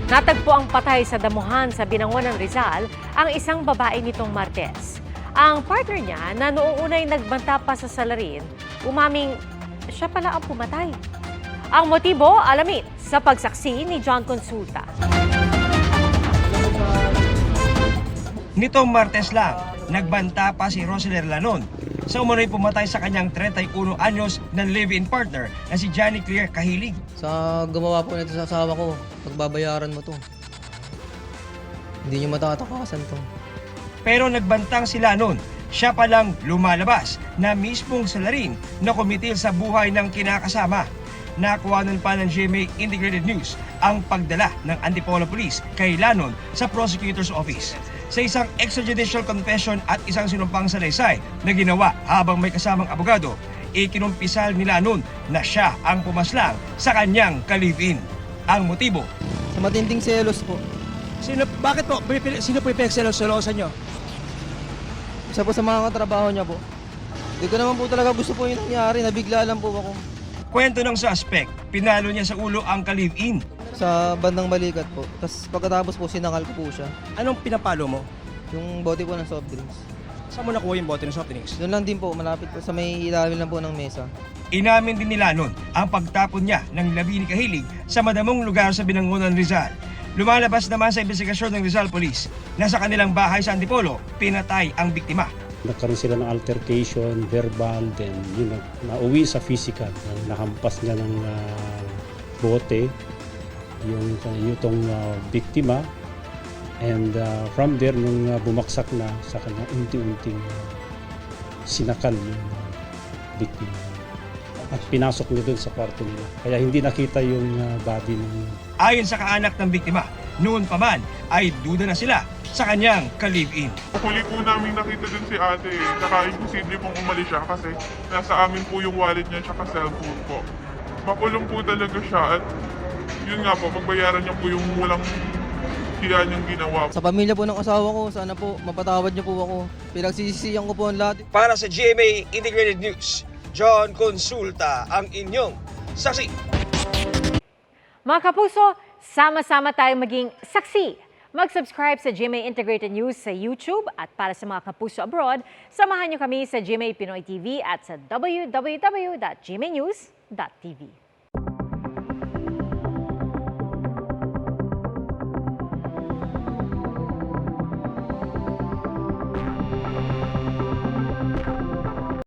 Natagpo ang patay sa damuhan sa Binangonan, Rizal ang isang babae nitong Martes. Ang partner niya na noong unay nagbanta pa sa salarin, umaming siya pala ang pumatay. Ang motibo, alamin sa pagsaksi ni John Consulta. Nitong Martes lang, nagbanta pa si Roseler Lanon sa umunoy pumatay sa kanyang 31 anyos na live-in partner na si Johnny Claire Kahilig. Sa gumawa po nito sa asawa ko, pagbabayaran mo to. Hindi nyo matatakasan to. Pero nagbantang sila noon, siya palang lumalabas na mismong salarin na kumitil sa buhay ng kinakasama. Nakuhanan pa ng GMA Integrated News ang pagdala ng Antipolo Police kay Lanon sa Prosecutor's Office. Sa isang extrajudicial confession at isang sinumpang salaysay na ginawa habang may kasamang abogado, ikinumpisal ni Lanon na siya ang pumaslang sa kanyang ka-live-in. Ang motibo, Sa matinding selos po. bakit po? Sino po yung pinagselos-selosan nyo? Isa po sa mga katrabaho niya po. Hindi ko naman po talaga gusto po yung nangyari. Nabigla lang po ako. Kwento ng suspect, pinalo niya sa ulo ang ka-live-in. Sa bandang balikat po. Tapos pagkatapos po, sinakal ko po siya. Anong pinapalo mo? Yung bote po ng soft drinks. Saan mo nakuha yung bote ng soft drinks? Doon lang din po, malapit po sa may ilalim lang po ng mesa. Inamin din ni Lanon ang pagtapon niya ng labi ni Kahilig sa madamong lugar sa Binangonan, Rizal. Lumalabas naman sa investigasyon ng Rizal Police na sa kanilang bahay sa Antipolo, pinatay ang biktima. Nagkaroon sila ng altercation, verbal, then yun, nauwi sa physical. Nahampas niya ng bote yung biktima. And from there, nung bumaksak na sa kanya, unti-unting sinakal yung biktima. At pinasok niya doon sa kwarto nila. Kaya hindi nakita yung body ng... Ayon sa kaanak ng biktima, noon pa man ay duda na sila sa kanyang ka-live-in. Huli po namin nakita dun si ate, saka imposible pong umalis siya kasi nasa amin po yung wallet niya tsaka cellphone po. Makulong po talaga siya at yun nga po, pagbayaran niya po yung walang hiya niyang ginawa. Sa pamilya po ng asawa ko, sana po mapatawad niyo po ako. Pinagsisisihan ko po ang lahat. Para sa GMA Integrated News, John Consulta ang inyong saksi. Mga kapuso, sama-sama tayong maging saksi. Mag-subscribe sa GMA Integrated News sa YouTube at para sa mga kapuso abroad, samahan niyo kami sa GMA Pinoy TV at sa www.gmanews.tv.